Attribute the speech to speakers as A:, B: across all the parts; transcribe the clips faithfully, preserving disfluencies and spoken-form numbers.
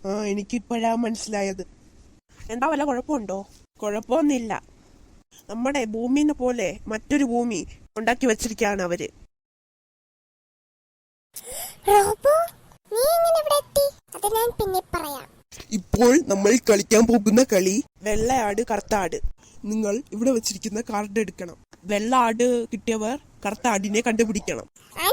A: ആ എനിക്കിപ്പോഴാ മനസ്സിലായത്. എന്താ വല്ല കുഴപ്പമുണ്ടോ? കുഴപ്പമൊന്നുമില്ല. നമ്മുടെ ഭൂമിനെ പോലെ മറ്റൊരു ഭൂമി ഉണ്ടാക്കി വെച്ചിരിക്കുകയാണ് അവര്. ഇപ്പോൾ നമ്മൾ കളിക്കാൻ പോകുന്ന കളി വെള്ളയാട് കറുത്താട്. നിങ്ങൾ ഇവിടെ വെച്ചിരിക്കുന്ന കാർഡ് എടുക്കണം. വെള്ള ആട് കിട്ടിയവർ കറുത്ത ആടിനെ കണ്ടുപിടിക്കണം.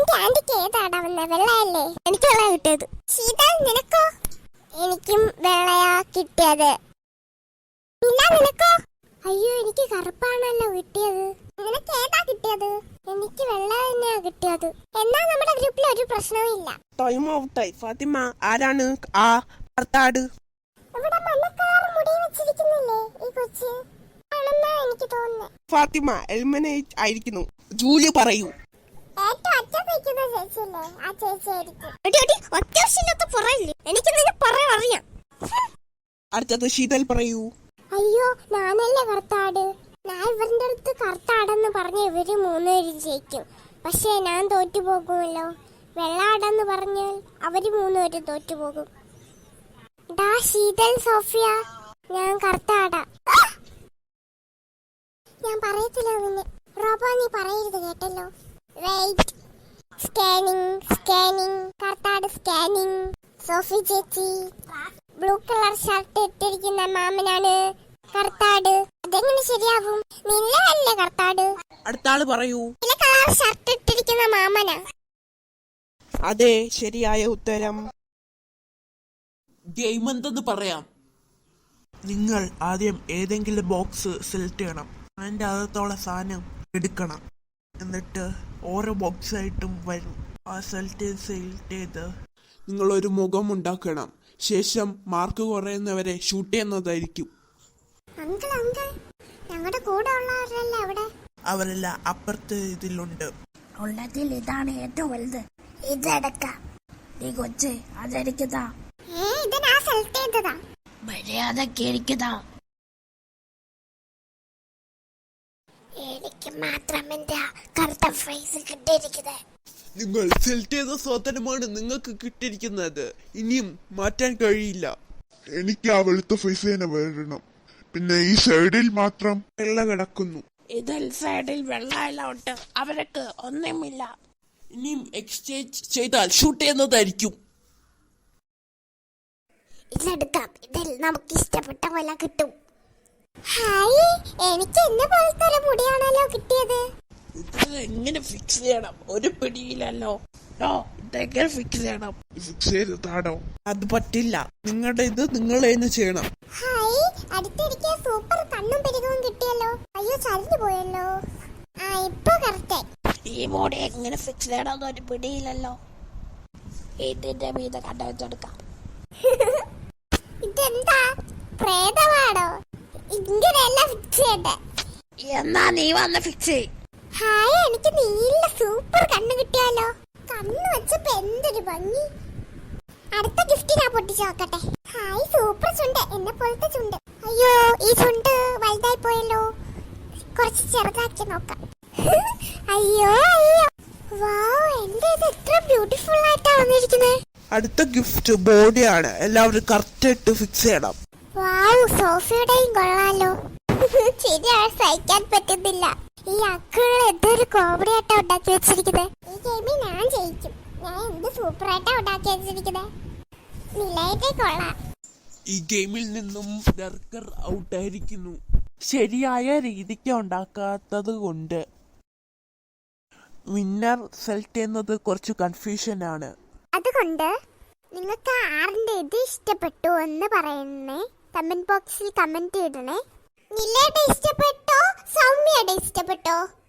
B: എനിക്ക് വെള്ള കിട്ടിയത്. നിനക്കോ? എനിക്കും വെള്ളയാ കിട്ടിയത്. നിനക്കോ? അയ്യോ, എനിക്ക് കറുപ്പാണല്ലോ കിട്ടിയത്. നിനക്ക് ഏതാ കിട്ടിയത്? എനിക്ക് വെള്ള തന്നെയാ കിട്ടിയത്. എന്നാ നമ്മുടെ ഗ്രൂപ്പിൽ ഒരു പ്രശ്നവും ഇല്ല.
A: ടൈം ഔട്ടായി. ഫാത്തിമ, ആരാണ് ആ കറുത്താട്?
B: ഇവിടെ മഞ്ഞക്കാർ മുടി വെച്ചിരിക്കുന്നില്ലേ ഈ കൊച്ച്? ആണെന്നാ എനിക്ക് തോന്നുന്നത്.
A: ഫാത്തിമ എലിമിനേറ്റ് ആയിരിക്കുന്നു. ജൂലി പറയൂ.
B: ഏറ്റവും അറ്റത്ത് നിൽക്കുന്ന ചേച്ചിയല്ലേ ആ ചേച്ചിയായിരിക്കും. അത്യാവശ്യമില്ലാത്ത പറയില്ലേ, എനിക്ക് നിന്നെ പറയാൻ അറിയാം.
A: അടുത്തത് ശീതൽ പറയൂ.
B: അയ്യോ, ഞാനല്ലേ കറുത്താട്. ഞാൻ ഇവരുടെ അടുത്ത് കറുത്താടെന്ന് പറഞ്ഞ ഇവര് മൂന്നുപേരും ജയിക്കും. പക്ഷെ ഞാൻ തോറ്റു പോകുമല്ലോ. വെള്ളാടെന്ന് പറഞ്ഞാൽ അവര് മൂന്നുപേരും തോറ്റു പോകും. ഡാ ശീതൽ, സോഫിയ, ഞാൻ കറുത്താടാ. ഞാൻ പറയത്തില്ല നിന്നെ. റോബോ, നീ പറയരുത് കേട്ടല്ലോ. വെയിറ്റ്. സ്കാനിങ് സ്കാനിങ് കറുത്താട് സ്കാനിങ്. സോഫി ചേച്ചി, ബ്ലൂ കളർ ഷർട്ട് ഇട്ടിരിക്കുന്ന മാമനാണ് കറുത്താട്. അതെങ്ങനെ ശരിയാവും? നിന്നല്ലേ കറുത്താട്.
A: അടുത്ത ആള് പറയൂ.
B: നീല കളർ ഷർട്ട് ഇട്ടിരിക്കുന്ന മാമനാ.
A: അതെ, ശരിയായ ഉത്തരം.
C: ഗെയിം എന്തെന്ന് പറയാം.
A: നിങ്ങൾ ആദ്യം ഏതെങ്കിലും ബോക്സ് സെലക്ട് ചെയ്യണം. അതിന്റെ അകത്തുള്ള സാധനം എടുക്കണം. എന്നിട്ട് ഓരോ ബോക്സ് ആയിട്ടും വരും. ആ സെലക്ട് ചെയ്ത് സെലക്ട് ചെയ്ത്
C: നിങ്ങൾ ഒരു മുഖം ഉണ്ടാക്കണം. ശേഷം മാർക്ക് കുറയുന്നവരെ ഷൂട്ട് ചെയ്യുന്നതായിരിക്കും.
B: അങ്കിൾ അങ്കിൾ ഞങ്ങളുടെ കൂടെ ഉള്ളവരല്ലേ അവിടെ?
A: അവരെല്ലാം അപ്പുറത്ത് ഇതിലുണ്ട്.
D: ഉള്ളതിൽ ഇതാണ് ഏറ്റവും വലുത്. ഇതെടുക്കാം. നീ കൊച്ച് അതെടുക്കതാ.
B: ഏ ഇത് ഞാൻ സെലക്ട് ചെയ്തതാ.
D: മര്യാദക്ക് ഇരിക്കതാ.
B: എനിക്ക് മാത്രം എന്റെ കറുത്ത ഫേസ് കിട്ടിയിരിക്കുന്നത്.
C: നിങ്ങൾ സെലക്ട് ചെയ്ത സ്വാതന്ത്ര്യമാണ് നിങ്ങൾക്ക് കിട്ടിയിരിക്കുന്നത്. ഇനിയും മാറ്റാൻ കഴിയില്ല.
E: എനിക്ക് ആ വെളുത്ത ഫേസ് തന്നെ വരണം. പിന്നെ ഈ സൈഡിൽ മാത്രം വെള്ള കിടക്കുന്നു.
D: ഇതിൽ സൈഡിൽ വെള്ളമെല്ലാം ഉണ്ട്. അവർക്ക് ഒന്നുമില്ല.
C: ഇനിയും എക്സ്ചേഞ്ച് ചെയ്താൽ ഷൂട്ട് ചെയ്യുന്നതായിരിക്കും.
B: ഇതെടുക്കാം. ഇതിൽ നമുക്ക് ഇഷ്ടപ്പെട്ട പോലെ കിട്ടും. ഹായ്, എനിക്ക് എന്നെ പോലത്തെ ഒരു മുടിയാണല്ലോ കിട്ടിയത്.
D: ഇത് എങ്ങനെ ഫിക്സ് ചെയ്യണം? ഒരു പിടിയില്ലല്ലോ. ഇതെങ്ങനെ ഫിക്സ് ചെയ്യണം?
E: ഫിക്സ് ചെയ്തതാണോ?
A: അത് പറ്റില്ല. നിങ്ങളുടെ ഇത് നിങ്ങൾ തന്നെ ചെയ്യണം.
B: ഹായ്, അടുത്തിരിക്കെ സൂപ്പർ കണ്ണും പെരുകവും കിട്ടിയല്ലോ. അയ്യോ, ചരിഞ്ഞു പോയല്ലോ. ആ, ഇപ്പൊ കറക്റ്റ്.
D: ഈ മുടി എങ്ങനെ ഫിക്സ് ചെയ്യണമെന്ന് ഒരു പിടിയില്ലല്ലോ. ഇതിന്റെ മീത കണ്ട വെച്ചെടുക്കാം.
B: ഇതെന്താ പ്രേതമാണോ? ഇങ്ങനെയല്ല ഫിക്സ് ചെയ്യണ്ടേ.
D: എന്നാ നീ വന്ന് ഫിക്സ് ചെയ്.
B: ഹായ്, എനിക്ക് നീല സൂപ്പർ കണ്ണ് കിട്ടിയാലോ. കണ്ണ് വെച്ചപ്പോ എന്തൊരു ഭംഗി. അടുത്ത ഗിഫ്റ്റ് ഞാൻ പൊട്ടിച്ചു നോക്കട്ടെ. ഹായ്, സൂപ്പർ ചുണ്ട്, എന്നെ പോലത്തെ ചുണ്ട്. അയ്യോ, ഈ ചുണ്ട് വലുതായി പോയല്ലോ. കുറച്ച് ചെറുതാക്കി നോക്കാം. അയ്യോ അയ്യോ, വാവ്, എന്റെ ഇത് എത്ര ബ്യൂട്ടിഫുൾ ആയിട്ടാ വന്നിരിക്കുന്നത്.
A: അടുത്ത ഗിഫ്റ്റ് ബോഡിയാണ്. എല്ലാവരും കറക്റ്റ് ആയിട്ട് ഫിക്സ് ചെയ്യണം.
B: വാവ്, സോഫിയുടെയും കൊള്ളാലോ. ശരിയാണ്, സഹിക്കാൻ പറ്റുന്നില്ല. ഈ അക്കിള് എന്തൊരു കോമഡി ആയിട്ടാ ഉണ്ടാക്കി വെച്ചിരിക്കുന്നത്. ഈ ഗെയിമിൽ ഞാൻ ജയിക്കും. ഞാൻ എന്ത് സൂപ്പർ ആയിട്ടാ ഉണ്ടാക്കി വെച്ചിരിക്കുന്നത്. നിലയുടെ കൊള്ളാം.
C: ഈ ഗെയിമിൽ നിന്നും ഡർക്കർ ഔട്ടായിരിക്കുന്നു.
A: ശരിയായ രീതിക്ക് ഉണ്ടാക്കാത്തത് കൊണ്ട് വിന്നർ സെലക്ട് ചെയ്യുന്നത് കുറച്ച് കൺഫ്യൂഷൻ ആണ്.
B: അതുകൊണ്ട് നിങ്ങൾക്ക് ആറിന്റെ ഇത് ഇഷ്ടപ്പെട്ടു എന്ന് പറയുന്നേ കമന്റ് ബോക്സിൽ കമന്റ് ഇടണേ. നിലയുടെ ഇഷ്ടപ്പെട്ടോ സൗമ്യയുടെ ഇഷ്ടപ്പെട്ടോ?